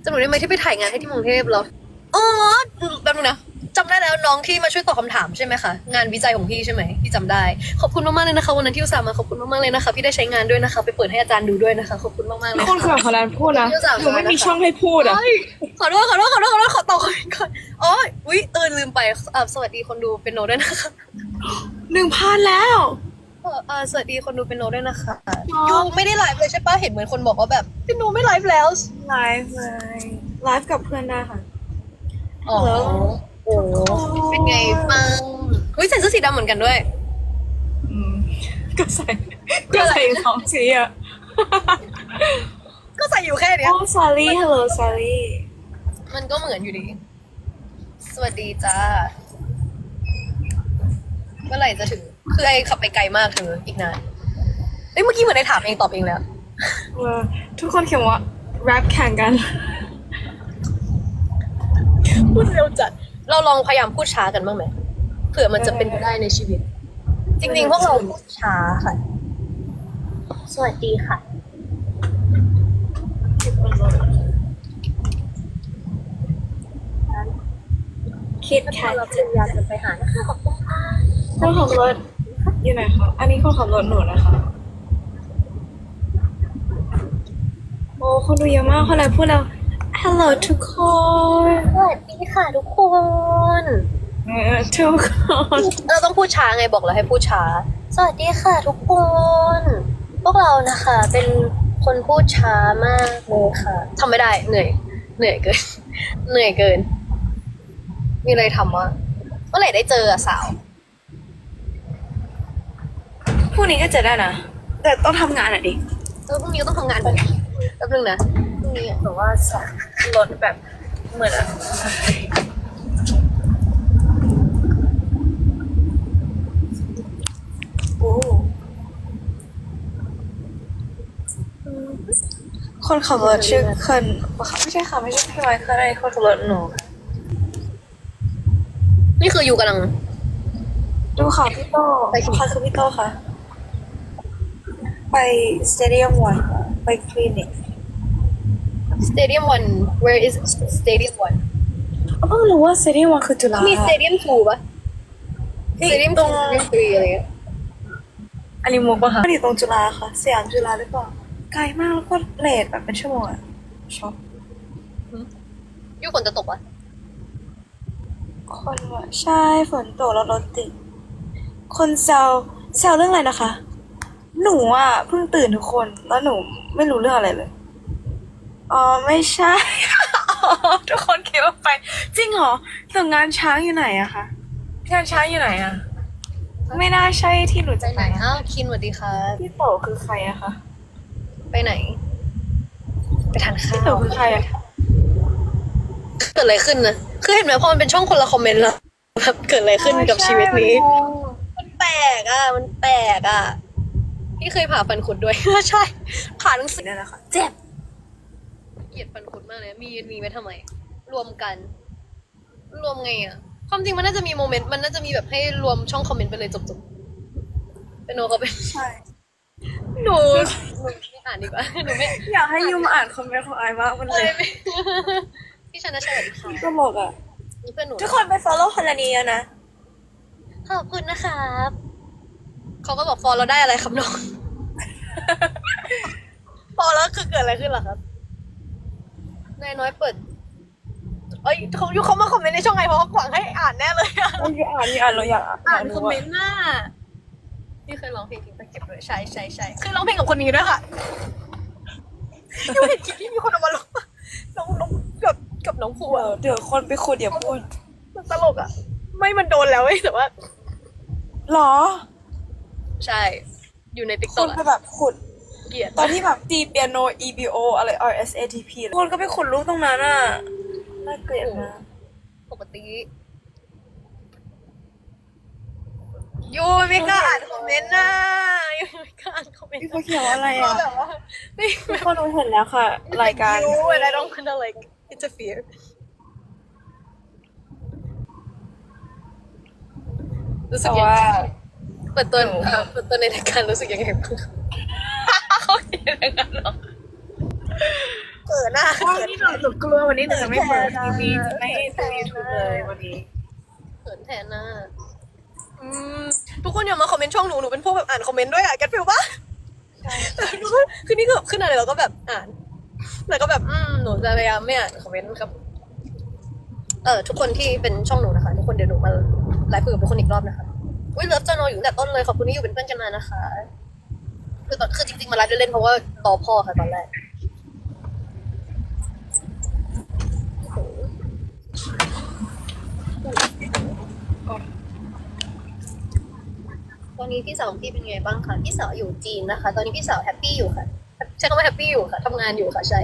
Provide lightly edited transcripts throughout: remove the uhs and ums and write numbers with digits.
จำหนูได้ไหมที่ไปถ่ายงานให้ที่กรุงเทพเหรออ๋อแป๊บนึงนะจำได้แล้วน้องที่มาช่วยตอบคำถามใช่ไหมคะงานวิจัยของพี่ใช่ไหมพี่จำได้ขอบคุณมากๆเลยนะคะวันนั้นที่อุตส่าห์มาขอบคุณมากๆเลยนะคะพี่ได้ใช้งานด้วยนะคะไปเปิดให้อาจารย์ดูด้วยนะคะขอบคุณมากๆเลยคนขับพลันพูดนะหนูไม่มีช่องให้พูดอ่ะเฮ้ยขอโทษขอต่อก่อนอ๋ออุ๊ยลืมไปสวัสดีคนดูเป็นโนด้วยนะคะ 1,000 แล้วสวัสดีคนดูเป็นโนด้วยนะคะยูไม่ได้ไลฟ์เลยใช่ปะเห็นเหมือนคนบอกว่าแบบเป็นโนไม่ไลฟ์แล้วไลฟ์เลยไลฟ์กับเพื่อนได้ค่ะอ๋อโอ้เป็นไงบ้างอุ้ยใส่เสื้อสีดำเหมือนกันด้วยอืมก็ใส่สองสีอ่ะก็ใส่อยู่แค่เนี้ยโอ้ซารี่ฮัลโหลซารี่มันก็เหมือนอยู่ดี สวัสดีจ้า เมื่อไหร่จะถึง คือไอขับไปไกลมากเธออีกนานเอ้ยเมื่อกี้เหมือนไอถามเองตอบเองแล้วทุกคนเขียนว่าแรปแข่งกันพูดเร็วจัด เราลองพยายามพูดช้ากันบ้างไหมเผื่อมันจะเป็นไปได้ในชีวิต จริงๆ พวกเราพูดช้าค่ะ สวัสดีค่ะคิดแคทเราพยายามจะไปหานะคะขอบคุณค่ะคนขับรถอยู่ไหนคะอันนี้คนขับรถหนูนะคะ โอ้คนดูเยอะมากคนไหนพูดแล้ว Hello ทุกคนสวัสดีค่ะทุกคนทุกคนเราต้องพูดช้าไงบอกแล้วให้พูดช้า สวัสดีค่ะทุกคน พวกเรานะคะ เป็นคนพูดช้ามากเลยค่ะทำไม่ได้เหนื่อยเกิน เหนื่อยเกิน มีอะไรทำวะเมื่อไหร่ได้เจออะสาวพรุ่งนี้ก็เจอได้นะ แต่ต้องทำงานอ่ะดิพรุ่งนี้ก็ต้องทำงานแบบแป๊บนึงนะพรุ่งนี้อะแบบว่าสองรถแบบเหมือนอะโอ้คนขับรถชื่อเคินปะคะไม่ใช่ค่ะไม่ใช่พี่ไมค์เคินอะไรคนขับรถหนูนี่คืออยู่กำลังดูค่ะพี่โต้ไปที่ใครคือพี่โต้คะไปสเตเดียมวันไปคลินิก Stadium 1 where is Stadium 1 เพิ่งรู้ว่าสเตเดียมวันคือจุฬามี Stadium 2ปะ Stadium ตรง 2 Stadium 3อะไรเงี้ยอันนี้มุกปะคะอยู่ตรงจุฬาค่ะสยามจุฬาหรือเปล่าไกลมากแล้วก็เลทแบบเป็นชั่วโมงอะช็อปยูฝนจะตกปะคนว่าใช่ฝนตกแล้วรถติดคนแซวเรื่องอะไรนะคะ หนูอ่ะเพิ่งตื่นทุกคนแล้วหนูไม่รู้เรื่องอะไรเลยอ๋อไม่ใช่ ทุกคนคิดว่าไป จริงเหรอแต่งานช้างอยู่ไหนอะคะงานช้างอยู่ไหนอะไม่น่าใช่ที่หนูไปจะไหนอ้าวคินสวัสดีค่ะพี่โตคือใครอะคะไปไหน ไปทานข้าพี่โตวคือใครอะเกิดอะไรขึ้นนะคือเห็นไหมพอมันเป็นช่องคนละคอมเมนต์แล้วแบบเกิดอะไรขึ้นกับชีวิตนี้ มันแปลกอ่ะ มันแปลกอ่ะ พี่เคยผ่าฟันคุดด้วย ใช่ ผ่าหนังสือนั่นแหละค่ะเจ็บเกลียดฟันคุดมากเลย มีไว้ทำไม รวมกัน รวมไงอ่ะ ความจริงมันน่าจะมีโมเมนต์ มันน่าจะมีแบบให้รวมช่องคอมเมนต์ไปเลยจบๆเป็นโนเขาเป็นใช่หนูไม่อ่านดีกว่า หนูไม่อยากให้ยูมาอ่านคอมเมนต์ของไอมากมันเลยพี่ชนะสวัสดีค่ะตลกอะนี่เพื่อนหนูทุกคนไป follow คนละนี้แล้วนะขอบคุณนะครับเขาก็บอกฟอลเราได้อะไรครับน้อง ฟอลแล้วคือเกิดอะไรขึ้นล่ะครับนายน้อยเปิด เอ้ยเขามาคอมเมนต์ในช่องไงเพราะเขาหวังให้อ่านแน่เลยอะอ่านเราอยากอ่านคอมเมนต์หน้าพี่เคยร้องเพลงทิ้งตะเก็บด้วยใช่เคยร้องเพลงกับคนนี้ด้วยค่ะยังเห็นคลิปที่มีคนเอามาร้องน้องกับน้องภูอะเดี๋ยวคนไปขุดอย่าพูดมันตลกอะไม่มันโดนแล้วเว้ยแต่ว่าหรอใช่ อยู่ในติ๊กคต็อน กไปแบบขุดเกลียดตอนที่แบบตีเปียโน EBO อะไร RSATP คนก็ไปขุดรูปตรงนั้นอ่ะ น่าเกลียดมากปกติยูไม่กล้าอ่านคอมเมนต์นะยูไม่กล้าอ่านคอมเมนต์พี่เขาเขียนว่าอะไรอ่ะแบบว่าไม่ทุกคนรู้เห็นแล้วค่ะ รายการยู and I don't wanna like interfere รู้สึกแต่ยังว่าไงเปิดตัวในรายการรู้สึกยังไงบ้างเขาเขียนอย่างนั้นเหรอเขินหน้าวันนี้หนูกลัววันนี้หนูจะไม่เปิดทีวีจะไม่ดูยูทูบเลยวันนี้เขินแทนหน้าทุกคนอย่ามาคอมเมนต์ช่องหนูเป็นพวกแบบอ่านคอมเมนต์ด้วยอะแกฟิลปะทุกคนคือนี่คือขึ้นอะไรเราก็แบบอ่านแล้วก็แบบหนูจะพยายามไม่อ่านคอมเมนต์ครับทุกคนที่เป็นช่องหนูนะคะทุกคนเดี๋ยวหนูมาไลฟ์คุยกับทุกคนอีกรอบนะคะอุ้ยเลิฟจะนอนอยู่ตั้งแต่ต้นเลยขอบคุณที่อยู่เป็นเพื่อนกันมานะคะคือจริงๆมาไลฟ์เล่นๆเพราะว่าต่อพ่อค่ะตอนแรกตอนนี้พี่สาวของพี่เป็นไงบ้างคะพี่สาวอยู่จีนนะคะ ตอนนี้พี่สาวแฮปปี้อยู่ค่ะใช้คำว่าแฮปปี้อยู่ค่ะทำงานอยู่ค่ะใช่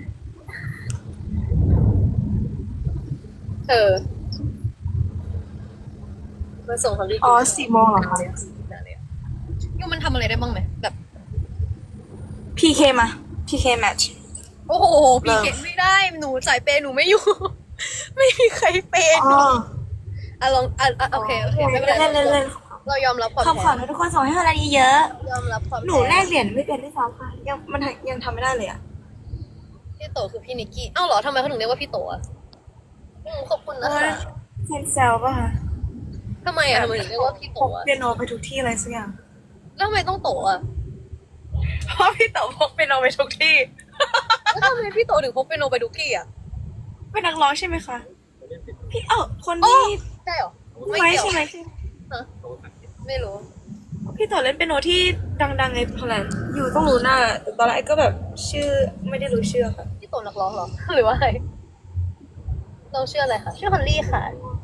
มาส่งเขาดีอ๋อ4 โมงเหรอคะยูมันทำอะไรได้บ้างไหมแบบ PK มา PK match โอ้โหพี่เก็บไม่ได้หนูสายเปย์หนูไม่อยู่ ไม่มีใครเปย์หนูลองโอเคไม่เป็นไรเล่นเรายอมรับความขอบคุณทุกคนส่งให้อะไรเยอะยอมรับความหนูแลกเหรียญไม่เป็นด้วยซ้ำค่ะยังทำไม่ได้เลยอ่ะพี่โตคือพี่นิกกี้เอ้าเหรอทำไมเขาถึงเรียกว่าพี่โตอ่ะขอบคุณนะคะเซนเซลป่ะคะทำไมอ่ะทำไมถึงเรียกว่าพี่โตพกอ่ะเปียโนไปทุกที่อะไรสักอย่างแล้วทำไมต้องโตอ่ะเพราะพี่เต๋อพกเปียโนไปทุกที่แล้วทำไมพี่โตถึงพกเปียโนไปทุกที่อ่ะเป็นนักร้องใช่ไหมคะพี่คนโอ้ที่ใช่เหรอไม่เกี่ยวใช่ไหมฮะไม่รู้พี่เต๋อเล่นเปียโนที่ดังๆในพลันอยู่ต้องรู้หน้าแต่ตอนแรกก็แบบชื่อไม่ได้รู้ชื่อค่ะพี่โตนักร้องเหรอ หรือว่าอะไรเราชื่ออะไรคะชื่อฮอลลี่ค่ะ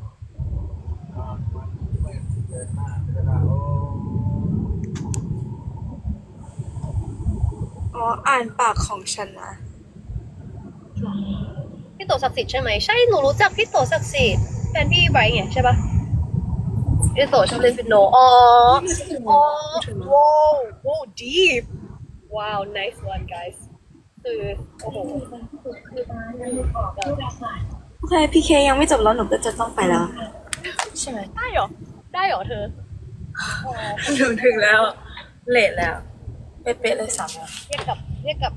อ๋ออ่านปากของฉันนะพี่โตศักดิ์สิทธิ์ใช่ไหมใช่หนูรู้จักพี่โตศักดิ์สิทธิ์แฟนพี่ไบร์ทไงใช่ปะพี่โตชอบเล่นเปียโนอ๋อว้าวโอ้ deep ว้าว nice one guys คือโอ้โหโอเคพีเคยังไม่จบแล้วหนูก็จะต้องไปแล้ว ใช่ไหมได้เหรอได้เหรอเธอถึงแล้วเลทแล้วเป๊ะๆเลย3 โมงเรียกกับ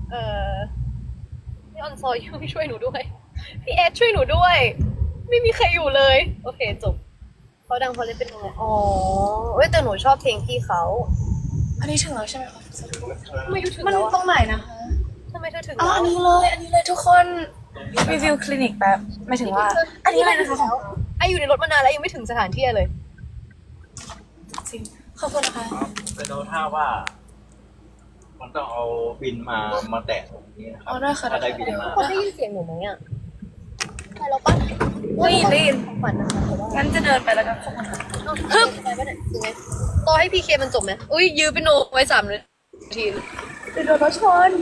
พี่ออนซอยช่วยหนูด้วยพี่เอสช่วยหนูด้วย ไม่มีใครอยู่เลย โอเคจบเขาดังเพราะเล่นเป็นไงอ๋อเว้ยแต่หนูชอบเพลงพี่เขาอันนี้ถึงแล้วใช่ไหมคะทำไมอยู่ถึงมันแล้วตรงไหนนะคะทำไมเธอถึงอ๋อแล้วอันนี้เลยทุกคนรีวิวคลินิกแป๊บไม่ถึงว่า อันนี้อะไรนะคะของไออยู่ในรถมานานแล้วยังไม่ถึงสถานที่เลยจริงขอบคุณนะคะเป็นเอาท่าว่า มันต้องเอาบินมาแตะตรงนี้นะครัอ๋อได้ค่ะถ้าได้บินมาคนได้ยินเสียงหนูไหมอ่ะใช่แล้วปะได้ยินของขวัญนะคะแต่ว่างั้นจะเดินไปแล้วกันขอบคุณค่ะฮึบไปปะเนี่ยยังไงต่อให้พีเคมันจบไหมอุ้ยยื้อเป็นโนไว้3 นาทีจะโดนรถชน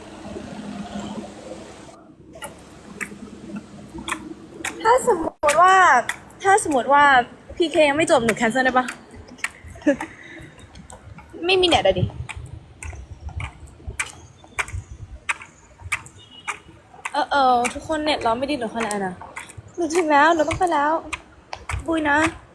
ถ้าสมมติว่าพีเคยังไม่จบหนูแคนเซิลได้ปะ ไม่มีเน็ตอะดิ ทุกคนเน็ตเราไม่ดีหนูขนาดนะหนูถึงแล้วหนูต้องไปแล้ว บุยนะ